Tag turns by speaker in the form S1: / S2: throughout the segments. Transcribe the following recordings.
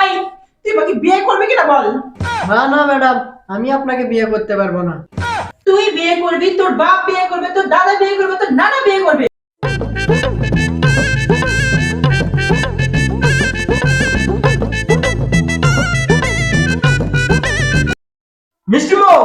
S1: এই, তুই আমাকে বিয়ে করবি কিনা বল।
S2: না না ম্যাডাম, আমি আপনাকে বিয়ে করতে পারবো না।
S1: তুই বিয়ে করবি, তোর বাপ বিয়ে করবে, তোর দাদা বিয়ে করবে, তোর নানা বিয়ে করবে।
S3: মিষ্টি বউ,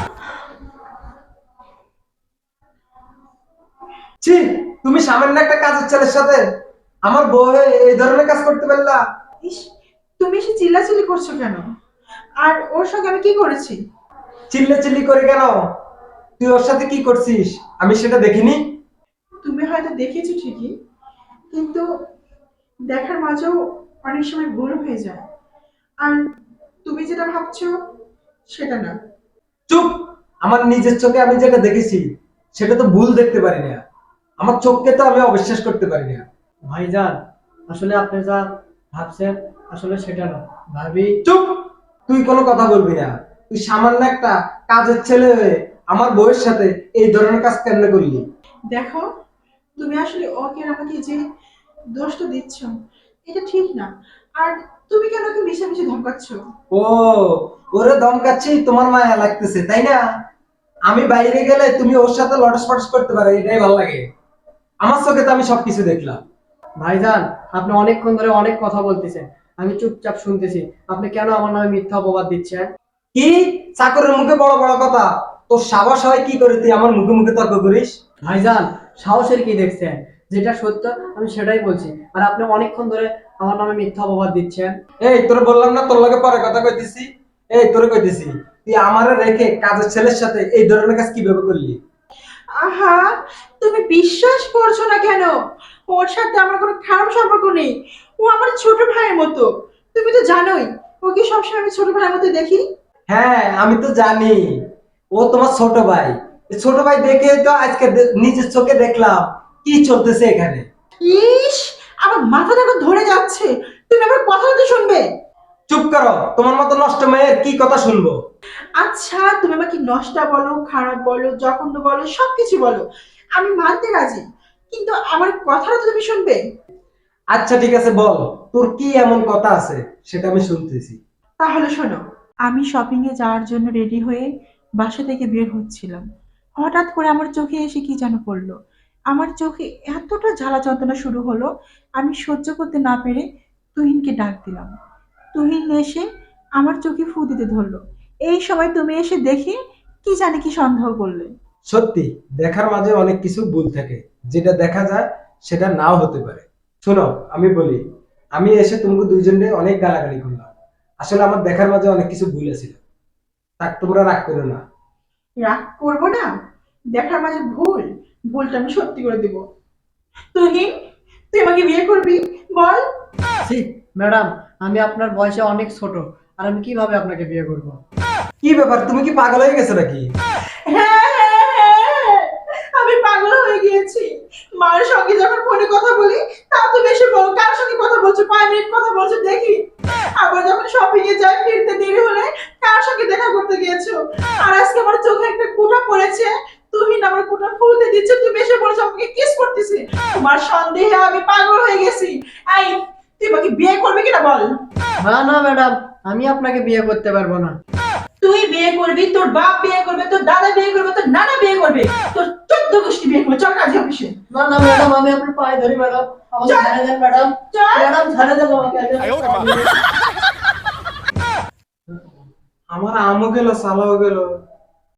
S3: ছি, তুমি সামান্য একটা কাজের ছেলের সাথে আমার বউ হয়ে এই ধরনের কাজ করতে পারলা?
S1: ইস, তুমি এসে চিল্লাচিল্লি করছো কেন? আর ওর সঙ্গে আমি কি করেছি?
S3: চিল্লাচিল্লি করে কেন? তুই ওর সাথে কি করছিস আমি সেটা দেখিনি?
S1: তুমি হয়তো দেখেছো ঠিকই, কিন্তু দেখার মাঝেও অনেক সময় ভুল হয়ে যায়। আর তুমি যেটা ভাবছো সেটা না।
S3: চুপ! আমার নিজের চোখে আমি যেটা দেখেছি সেটা তো ভুল দেখতে পারি না। আমার চোখকে তো আমি অবিশ্বাস করতে পারি না।
S2: ভাইজান, আসলে আপনি যা ভাবছেন আসলে সেটা না। ভাবি।
S3: চুপ! তুই কোনো কথা বলবি না। তুই সামান্য একটা কাজের ছেলে হয়ে আমার বউয়ের সাথে এই ধরনের কাজ কেন করলি?
S1: দেখো, তুমি আসলে ওকে আর আমাকে যে দোষটা দিচ্ছ এটা ঠিক না। আর তুমি কেন ওকে মিশামিশি ধমকাচ্ছ?
S3: ও, ওরে ধমকাচ্ছি তোমার মায়া লাগতেছে তাই না? আমি বাইরে গেলে তুমি ওর সাথে লটস ফটস করতে পারো, এটাই ভালো লাগে। আমার চোখে তো আমি সবকিছু দেখলাম।
S2: ভাইজান, আপনি অনেকক্ষণ ধরে অনেক কথা বলতেছেন, আমি চুপচাপ শুনতেছি। আপনি কেন আমার নামে মিথ্যা অপবাদ দিচ্ছেন?
S3: কি? চাকরের মুখে বড় বড় কথা? তোর সাবাস হয় কি করে তুই আমার মুখে মুখে তর্ক করিস?
S2: ভাইজান, সাহসের কি দেখছেন? যেটা সত্য আমি সেটাই বলছি, আর আপনি অনেকক্ষণ ধরে আমার নামে মিথ্যা অপবাদ দিচ্ছেন।
S3: এই তোরে বললাম না তোর লগে পরে কথা কইতেছি? এই তোরে কইতেছি, তুই আমারে রেখে কাজের ছেলের সাথে এই ধরনের কাজ কিভাবে করলি?
S1: আহা, তুমি বিশ্বাস করছো না কেন? ওর সাথে আমার কোনো খারাপ সম্পর্ক নেই। ও আমার ছোট ভাইয়ের মতো। তুমি তো জানোই ওকে সবসময় আমি ছোট ভাইয়ের মতো দেখি।
S3: হ্যাঁ, আমি তো জানি ও তোমার ছোট ভাই। এই ছোট ভাই দেখে তো আজকে নিজের চোখে দেখলাম কি চলতেছে এখানে।
S1: ইস, আমার মাথাটা এখন ধরে যাচ্ছে। তুমি আমার কথা তো শুনবে।
S3: চুপ করো, তোমার মতো নষ্ট মেয়ের কি কথা শুনবো?
S1: আচ্ছা, তুমি আমাকে নষ্টা বলো, খারাপ বলো, জঘন্য বলো, সবকিছু বলো, আমি মানতে রাজি। কিন্তু আমার কথাটা তো তুমি শুনবে।
S3: আচ্ছা ঠিক আছে, বল তোর কি এমন কথা আছে সেটা আমি শুনতেছি।
S1: তাহলে শোনো, আমি শপিং এ যাওয়ার জন্য রেডি হয়ে বাসা থেকে বের হচ্ছিলাম। হঠাৎ করে আমার চোখে এসে কি যেন পড়লো। আমার চোখে এতটা জ্বালা যন্ত্রণা শুরু হলো, আমি সহ্য করতে না পেরে তুহিনকে ডাক দিলাম। তুহিন এসে আমার চোখে ফু দিতে ধরলো। এই সময় তুমি এসে দেখে কি জানি কি সন্দেহ করলে।
S3: সত্যি, দেখার মাঝে অনেক কিছু ভুল থাকে, যেটা দেখা যায় সেটা নাও হতে পারে। শোনো, আমি বলি, আমি এসে তোমাকে দুইজনে অনেক গালাগালি করলাম। আসলে আমার দেখার মাঝে অনেক কিছু ভুল ছিল। তাক তোমরা রাগ করো না।
S1: রাগ করবো না? দেখার মাঝে ভুল, ভুলটা আমি সত্যি করে দেবো। তুহিন, তুই আমাকে বিয়ে করবি? বল।
S2: ছি ম্যাডাম, আমি আপনার বয়সে অনেক ছোট, আর আমি কিভাবে আপনাকে বিয়ে করব?
S3: কি ব্যাপার, তুমি কি পাগল হয়ে গেছো নাকি?
S1: হ্যাঁ, হ্যাঁ, হ্যাঁ, আমি পাগল হয়ে গিয়েছি। মার সঙ্গে যখন ফোনে কথা বলি, তা তো বেশি বলো কার সঙ্গে কথা বলছো, 5 মিনিট কথা বলছো দেখি। আবার যখন শপিং এ যাই, ফিরতে দেরি হলে কার সঙ্গে দেখা করতে গিয়েছো। আর আজকে আমার চোখে একটা ফোঁটা পড়েছে, তুমি না আমার ফোঁটা ফুলতে দিচ্ছ, তুমি এসে বলছো আমাকে কিস করতেছি। তোমার সন্দেহে আমি পাগল হয়ে গেছি। এই, তুই আমাকে বিয়ে করবি কিনা বল।
S2: না না ম্যাডাম, আমি আপনাকে বিয়ে করতে পারবো না।
S1: তুই বিয়ে করবি, তোর বাপ বিয়ে করবে, তোর দাদা বিয়ে করবে, তোর নানা বিয়ে করবে, তোর 14 গোষ্ঠী বিয়ে করবে। চল কাজে অফিসে।
S2: না না ম্যাডাম, আমি আপনার পায়ে ধরি ম্যাডাম, আমাকে
S1: চল,
S2: ছেড়ে দেন ম্যাডাম।
S1: চল।
S2: ম্যাডাম ছেড়ে দেন আমাকে, আমি আপনার পায়ে ধরি।
S3: আমার আমও গেল, সালাও গেল।